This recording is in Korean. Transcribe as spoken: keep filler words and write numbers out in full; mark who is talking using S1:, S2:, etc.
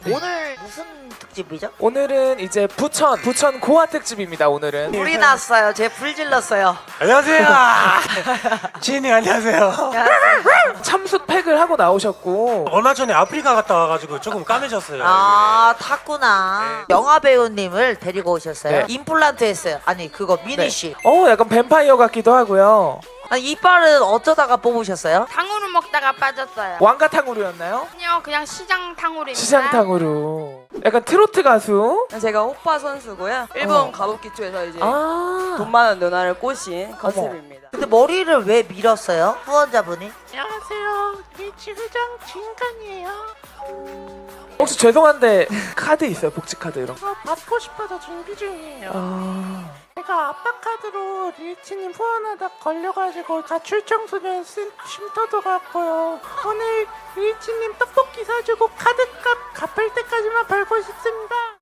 S1: 오늘 무슨 특집이죠?
S2: 오늘은 이제 부천 부천 고아 특집입니다. 오늘은
S1: 불이 났어요. 제 불 질렀어요.
S3: 안녕하세요. 지인님 안녕하세요.
S2: 참숯 팩을 하고 나오셨고
S3: 얼마 전에 아프리카 갔다 와가지고 조금 까매졌어요.
S1: 아 탔구나. 영화 배우님을 데리고 오셨어요.
S2: 네.
S1: 임플란트 했어요. 아니 그거 미니 씨.
S2: 어 약간 뱀파이어 같기도 하고요.
S1: 아니, 이빨은 어쩌다가 뽑으셨어요?
S4: 탕후루 먹다가 빠졌어요.
S2: 왕가탕후루였나요?
S4: 아니요, 그냥 시장 탕후루입니다.
S2: 시장탕후루. 약간 트로트 가수.
S5: 제가 호빠 선수고요. 일본
S2: 어.
S5: 가부키초에서 이제
S2: 아
S5: 돈 많은 누나를 꼬신 컨셉입니다.
S1: 근데 머리를 왜 밀었어요? 후원자분이?
S6: 안녕하세요. 리치 회장 진간이에요.
S2: 혹시 죄송한데 카드 있어요? 복지 카드 이런 거?
S6: 어, 받고 싶어서 준비 중이에요.
S2: 아
S6: 제가 아빠 카드로 리치님 후원하다 걸려가지고 가출청소년 쉼- 쉼터도 갔고요. 오늘 리치님 떡볶이 사주고 카드값 갚을 때까지만 벌고 싶습니다.